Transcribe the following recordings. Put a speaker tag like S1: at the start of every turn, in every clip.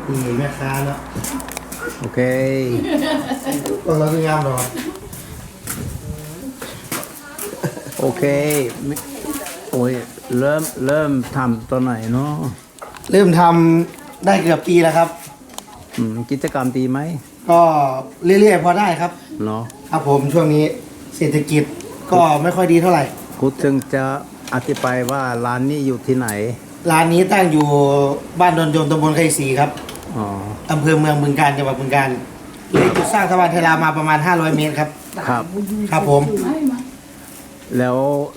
S1: นี่แม่ค้าเนาะ
S2: โอเค
S1: เราคืองามหรอ
S2: โอเคโอ้ยเริ่มทำตอนไหนเนาะ
S1: เริ่มทำได้เกือบปีแล้วครับ
S2: กิจกรรมดีไหม
S1: ก็เรื่อยๆพอได้ครับ
S2: เนาะ
S1: ครับผมช่วงนี้เศรษฐกิจก็ไม่ค่อยดีเท่าไหร่
S2: คุณจึงจะอธิบายว่าร้านนี้อยู่ที่ไหน
S1: ร้านนี้ตั้งอยู่บ้านดอนโยมตำบลไคศรีครับอำเภอเมืองบึงกาฬจังหวัดบึงกาฬเลยจุดสร้างสะพานไทยลาวมาประมาณ500เมตรครับครับผม
S2: แล้ว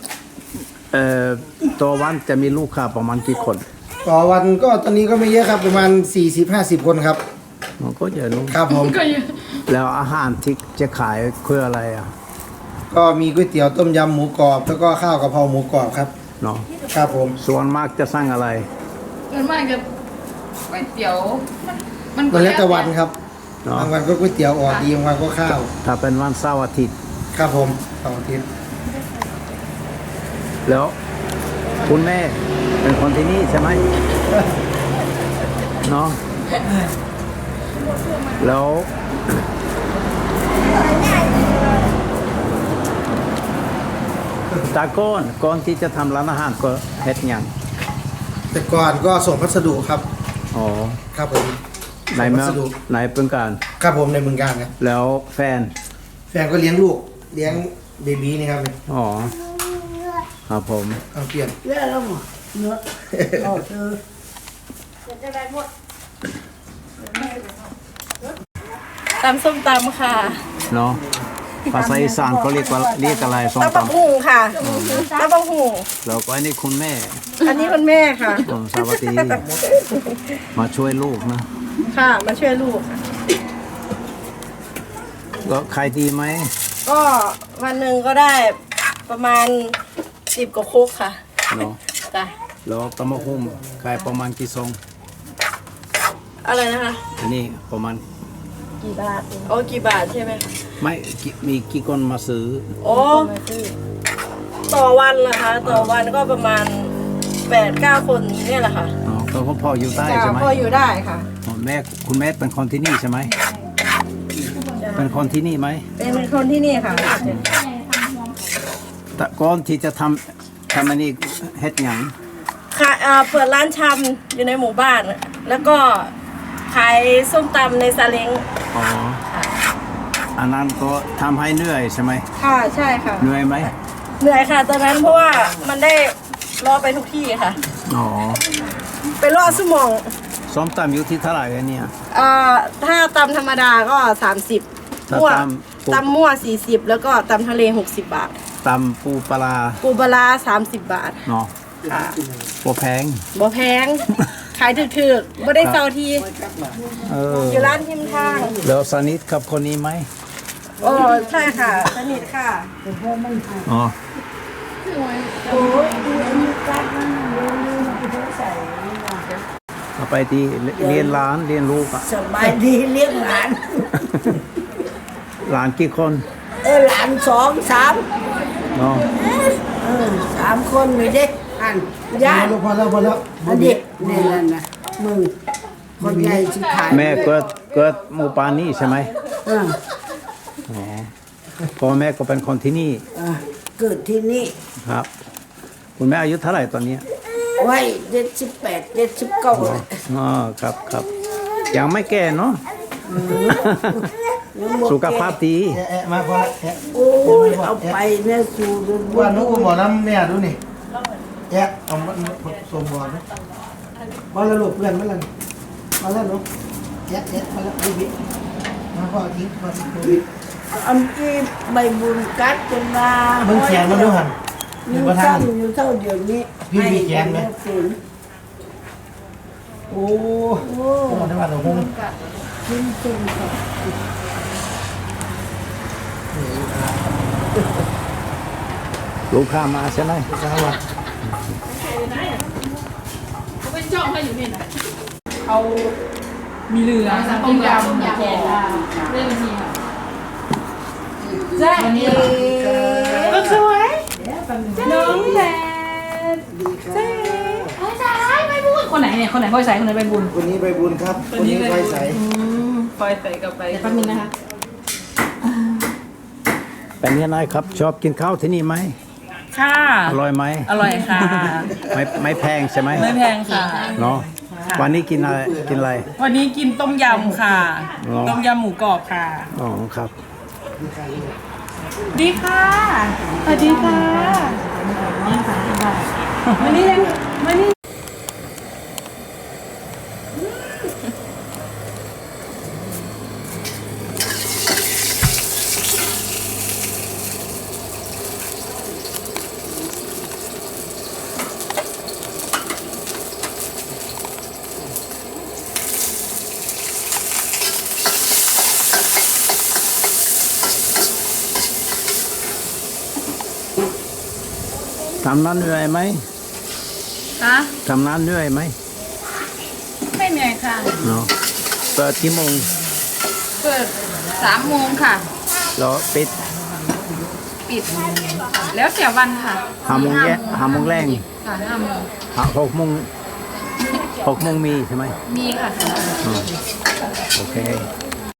S2: ตัววันจะมีลูกค้าประมาณกี่คน
S1: ต่อวันก็ตอนนี้ก็ไม่เยอะครับประมาณ40-50 คนครับ
S2: มันก็เยอะนู้
S1: ครับผม
S2: แล้วอาหารที่จะขายคืออะไรอ่ะ
S1: ก็มีก๋วยเตี๋ยวต้มยำหมูกรอบแล้วก็ข้าวกะเพราหมูกรอบครับ
S2: เนาะ
S1: ครับผม
S2: ส่วนมากจะสั่งอะไร
S3: ส่วนมากจะก๋วยเตี๋ยว
S1: มันแล้วแต่วันครับบางวันก็ก๋วยเตี๋ยวออกดีบางวันก็ข้าว
S2: ถ้าเป็นวันเสาร์อาทิตย์
S1: ครับผมเสาร์อาทิตย์
S2: แล้วคุณแม่เป็นคนที่นี่ใช่ไหมเนาะแล้วตาก่อนที่จะทำร้านอาหารก็เฮ็ดยัง
S1: แต่ก่อนก็ส่งพัสดุครับ
S2: อ๋อ
S1: ครับผม
S2: ในเมืองในเมืองการ
S1: ครับผมในเมืองการครับ
S2: แล้วแฟน
S1: ก็เลี้ยงลูกเลี้ยงเบบีนี่ครับ
S2: อ๋อครับผม
S1: เอาเปลี่ยน
S4: เยอะแล้วหมดเนื้อโอ้เธอจะได้หมด
S3: ตำส้มตำค่ะ
S2: เนาะภาษาอีสานเขาเรียกอะไรส้ม
S3: ตำบักหุ่งค่ะตำบักหุ่ง
S2: แล้วก็อันนี้คุณแม่
S3: อันนี้คุณแม่ค่ะ
S2: สวัสดีมาช่วยลูกนะ
S3: ค่ะมาช่วยลูกค่ะ
S2: ก็ขายดีไหม
S3: ก็วันหนึ่งก็ได้ประมาณ10 กว่าคุกค่ะ
S2: เนาะ
S3: จ้ะ
S2: แล้วตำมะฮุ่มขายประมาณกี่ซอง
S3: อะไรนะคะ
S2: อันนี้ประมาณ
S3: กี่บาทโอ้กี่บาทใช่ไหม
S2: ไม่มีกี่คนมาซื้อ
S3: โอ้ต่อวันเหรอคะต่อวันก็ประมาณ8-9 คนเนี่ยแหละค่ะ
S2: อ๋อก็พออยู่ได้ใช่ไหม
S3: พออยู่ได้ค่ะ
S2: คุณแม่เป็นคนที่นี่ใช่ไหมเป็นคนที่นี่ไหม
S3: เป็นคนที่นี่ค่ะ
S2: แต่ก่อนที่จะทำอันนี้เฮ็ดหยัง
S3: ค่ะเปิดร้านชำอยู่ในหมู่บ้านแล้วก็ขายส้มตำในซาเล้ง
S2: อ๋ออันนั้นก็ทำให้เหนื่อยใช่ไหม
S3: ค่ะใช่ค่ะ
S2: เหนื่อยไหม
S3: เหนื่อยค่ะตอนนั้นเพราะว่ามันได้รอไปทุกที่ค่ะ
S2: อ๋อ
S3: ไปรอสมอง
S2: ส้มตำอยู่ที่เท่าไหร่เนี่ย
S3: ถ้าตำธรรมดาก็30มั่วตำมั่ว40แล้วก็ตำทะเล60 บาท
S2: ตำปูปลา
S3: 30 บาท
S2: เนาะ
S3: ค่ะ
S2: บ่แพง
S3: ขายถูกๆไม่ได้เซาทีอยู่ร้านทิมทาง
S2: แล้วสนิทกับคนนี้ไหม
S3: โอ้ใช่ค่ะสนิทค่ะ
S2: อ๋อเอาไปที่เรียนร้านเรียนลูกอ่ะ
S4: สบายดีเลี้ยงหลาน
S2: หลานกี่คน
S4: หลาน2-3
S2: เนาะ
S4: 3 คนเลยเด็กอัน
S1: ญาติพอแล้ว
S4: เด็กนี่แหละนะมึงคนใหญ่สิขาย
S2: แม่เกิดหมู่บ้านนี้ใช่ไหมอ๋อพ่อแม่ก็เป็นคนที่นี่
S4: เกิดที่นี่
S2: ครับคุณแม่อายุเท่าไหร่ตอนนี้
S4: ไว้78-79
S2: อ๋อครับยังไม่แก่เนาะสุขภาพดี
S1: มาพอ
S4: โอ้ยเอาไปเนี่ยสู่
S1: ว่านุ๊กหมอน้ำเนี่ยดูนี่เอาส่งบอลนะบอลแล้วลูกเพื่อนมาแล้วมาแล้วลูกมาแล้วบิ๊กมาพ่อทิ้งมาบิ๊ก
S4: อันที่ใบบุญกัดจนมา
S1: มึงแขนมาด้วยหัน
S4: อยู่เท่าเดี๋ยวนี้
S1: พี่มีแขนไหมโอ้ได้มาหนูคง
S4: ขึ้นจนค่ะ
S2: ลูกค้ามาใช่ไหม
S1: ลูกค้ามา
S3: เขาเป็นจ้องให้อยู่นี่นะเขามีเหลือต้มยำแกงเรื่องนี้ค่ะแจ๊ก็สวยน้องแจ๊เจ๊ไม่พูดคนไหนเนี่ยคนไหนพ่อยใส่คนไหนใบบุญ
S1: คนนี้ใบบุญครับคนนี้ไฟใส
S3: ปล่อยใส่กับไปแป๊บนึงนะคะ
S2: เป็นยังไงครับชอบกินข้าวที่นี่ไหม
S3: ค่ะ
S2: อร่อยไหม
S3: อร่อยค่ะ
S2: ไม่แพงใช่ไหม
S3: ไม่แพงค่ะ
S2: เนาะวันนี้กินอะไรกินอะไร
S3: วันนี้กินต้มยำค่ะ
S2: อ๋อ
S3: ต้มยำหมูกรอบค่ะ
S2: อ๋อครับ
S3: ดีค่ะสวัสดีค่ะมานี่เลยมานี่
S2: ทำนั้นเหนื่อยไหม
S3: คะ
S2: ทำนั้นเหนื่อยไหม
S3: ไม่เหนื่อยค่ะ
S2: เนาะเปิดกี่โมง
S3: เปิด3 โมงค่ะ
S2: แล้วปิด
S3: ปิด แล้วแต่วันค่ะ
S2: 5 โมงแรง
S3: ค่ะ5 โมง
S2: 6 โมง6 โมงมีใช่ไหม
S3: มีค่ะ
S2: โอเค